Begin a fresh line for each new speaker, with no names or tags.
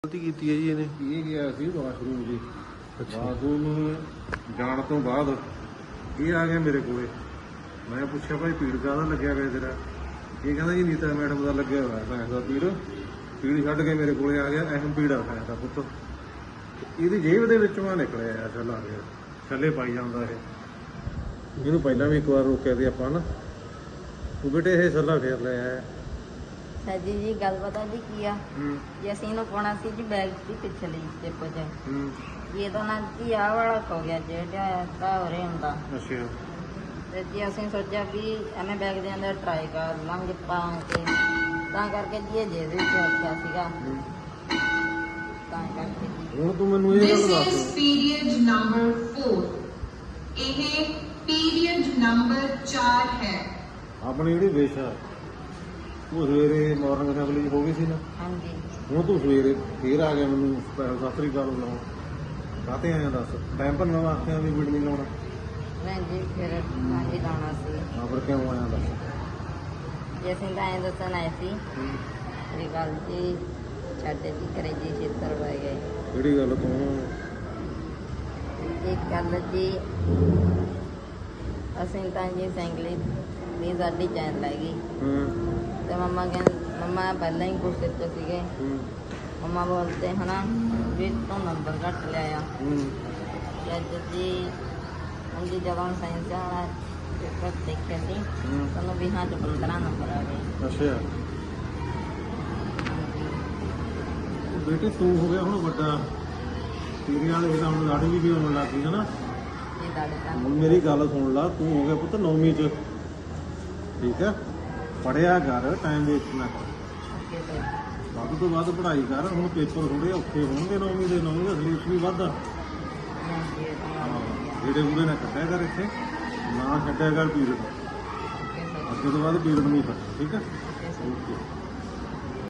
ਗਲਤੀ ਕੀਤੀ ਹੈ ਜੀ ਇਹਨੇ?
ਇਹ ਗਿਆ ਸੀ ਵਾਸ਼ਰੂਮ ਜੀ।
ਅੱਛਾ।
ਵਾਸ਼ਰੂਮ ਜਾਣ ਤੋਂ ਬਾਅਦ ਇਹ ਆ ਗਿਆ ਮੇਰੇ ਕੋਲੇ। ਮੈਂ ਪੁੱਛਿਆ ਭਾਈ ਪੀੜ ਕਾਹਦਾ ਲੱਗਿਆ ਹੋਇਆ ਤੇਰਾ? ਇਹ ਕਹਿੰਦਾ ਜੀ ਨੀਤਾ ਮੈਡਮ ਦਾ ਲੱਗਿਆ ਹੋਇਆ ਸਾਇੰਸ ਦਾ ਪੀੜ ਛੱਡ ਕੇ ਮੇਰੇ ਕੋਲੇ ਆ ਗਿਆ। ਅਹਿਮ ਪੀੜ ਆ ਸਾਇੰਸ ਦਾ ਪੁੱਤ। ਇਹਦੀ ਜੇਬ ਦੇ ਵਿੱਚੋਂ ਆ ਨਿਕਲਿਆ ਛੱਲਾ ਆ ਗਿਆ। ਛੱਲੇ ਪਾਈ ਜਾਂਦਾ ਇਹ। ਇਹਨੂੰ ਪਹਿਲਾਂ ਵੀ ਇੱਕ ਵਾਰ ਰੋਕਿਆ ਸੀ ਆਪਾਂ ਨਾ, ਉਹ ਬੇਟੇ ਇਹ ਛੱਲਾ ਫੇਰ ਲਿਆ ਹੈ।
ਸਾਜੀ ਜੀ ਗੱਲ ਪਤਾ ਜੀ ਕੀ ਆ ਜੀ, ਅਸੀਂ ਇਹਨੂੰ ਪਾਉਣਾ ਸੀ ਜੀ ਬੈਗ ਦੀ ਪਿਛਲੀ ਸਟੈਪ 'ਚ। ਇਹ ਤਾਂ ਨਾ ਜੀ ਆਹ ਵਾਲਾ ਖੋ ਗਿਆ ਜਿਹੜਾ ਤਾਂ ਹੋ ਰਿਹਾ ਹੁੰਦਾ।
ਅੱਛਾ।
ਤੇ ਜੀ ਅਸੀਂ ਸੋਚਿਆ ਵੀ ਐਵੇਂ ਬੈਗ ਦੇ ਅੰਦਰ ਟਰਾਈ ਕਰ ਲਾਂਗੇ ਪਾ ਕੇ, ਤਾਂ ਕਰਕੇ ਜੀ ਇਹ ਜਿਹਦੇ ਵਿੱਚ ਰੱਖਿਆ ਸੀਗਾ, ਤਾਂ ਕਰਕੇ ਜੀ।
ਹੁਣ ਤੂੰ ਮੈਨੂੰ ਇਹ ਗੱਲ
This
ਦੱਸ।
is period number 4. ਇਹ period number 4 ਹੈ।
ਆਪਣੀ ਜਿਹੜੀ ਵਿਸ਼ ਆ ਉਹ ਸਵੇਰੇ ਮਾਰਨਿੰਗ ਅਸੈਂਬਲੀ ਹੋ ਗਈ ਸੀ ਨਾ।
ਹਾਂਜੀ।
ਹੁਣ ਤੂੰ ਸਵੇਰੇ ਫੇਰ ਆ ਗਿਆ ਮੈਨੂੰ ਸਤਿ ਸ੍ਰੀ ਅਕਾਲ ਬੁਲਾਉਣ। ਕਾਹਤੇ ਆਇਆ ਦੱਸ? ਟਾਈਮ ਭੰਨਣ ਵਾਸਤੇ ਆ ਵੀ ਵੀਡ ਨਹੀਂ ਲਾਉਣਾ?
ਨਹੀਂ ਜੀ ਫਿਰ ਹਾਂਜੀ ਲਾਉਣਾ ਸੀ
ਹਾਂ ਫਿਰ ਕਿਉਂ ਆਇਆ ਦੱਸ?
ਜੀ। ਅਸੀਂ ਤਾਂ ਐਂ ਦੱਸਣ ਆਏ ਸੀ ਵੀ ਗੱਲ ਜੀ ਸਾਡੇ ਜੀ ਘਰੇ ਜੀ ਛੇਤਰ ਪੈ ਗਏ।
ਕਿਹੜੀ ਗੱਲ ਤੂੰ?
ਇੱਕ ਗੱਲ ਜੀ ਅਸੀਂ ਤਾਂ ਜੀ ਸੈਂਗਲੀ ਦੀ ਸਾਡੀ ਚੈਨ ਲੈ ਗਈ ਤੇ ਮੰਮਾ ਮੰਮਾ ਪਹਿਲਾਂ ਹੀ ਗੁੱਸੇ 'ਚ ਸੀਗੇ। ਮੰਮਾ ਬੋਲਤੇ ਹਨਾ ਵੀ ਤੂੰ ਨੰਬਰ ਘੱਟ ਲਿਆ। ਤੇ ਅੱਜ ਜੀ ਹਾਂਜੀ ਜਦੋਂ ਸਾਇੰਸ ਵਾਲਾ ਪੇਪਰ ਦੇਖਿਆ ਸੀ ਸਾਨੂੰ 20 'ਚ 15 ਨੰਬਰ ਆ ਗਏ।
ਅੱਛਾ। ਬੇਟੇ ਤੂੰ ਹੋ ਗਿਆ ਹੁਣ ਵੱਡਾ, ਤੇਰੇ ਵਾਲੇ ਇਹਦਾ ਹੁਣ ਲਾੜੀ ਵੀ ਆਉਣ ਲੱਗ ਗਈ ਹਨਾ।
ਇਹ ਤੁਹਾਡੇ ਤਾਂ
ਹੁਣ ਮੇਰੀ ਗੱਲ ਸੁਣ ਲਾ, ਤੂੰ ਹੋ ਗਿਆ ਪੁੱਤ 9ਵੀਂ 'ਚ, ਠੀਕ ਹੈ? ਪੜ੍ਹਿਆ ਕਰ, ਟਾਈਮ ਵੇਸਟ ਨਾ ਕਰ।
ਅੱਗੇ ਤੋਂ
ਵੱਧ ਤੋਂ ਵੱਧ ਪੜ੍ਹਾਈ ਕਰ। ਹੁਣ ਪੇਪਰ ਥੋੜੇ ਔਖੇ ਹੋਣਗੇ 9ਵੀਂ ਦੇ। 9ਵੀਂ ਦਾ ਸਿਲੇਬਸ ਵੀ ਵੱਧ ਆ।
ਹਾਂਜੀ ਇਹ ਤਾਂ
ਜਿਹੜੇ ਉਹਦੇ ਨਾਲ ਕੱਢਿਆ ਕਰ, ਇੱਥੇ ਨਾ ਛੱਡਿਆ ਕਰ ਪੀਰੀਅਡ।
Okay sir.
ਅੱਗੇ ਤੋਂ ਬਾਅਦ ਪੀਰੀਅਡ ਨਹੀਂ ਕੱਢਣਾ, ਠੀਕ ਹੈ?
Okay sir.
ਓਕੇ।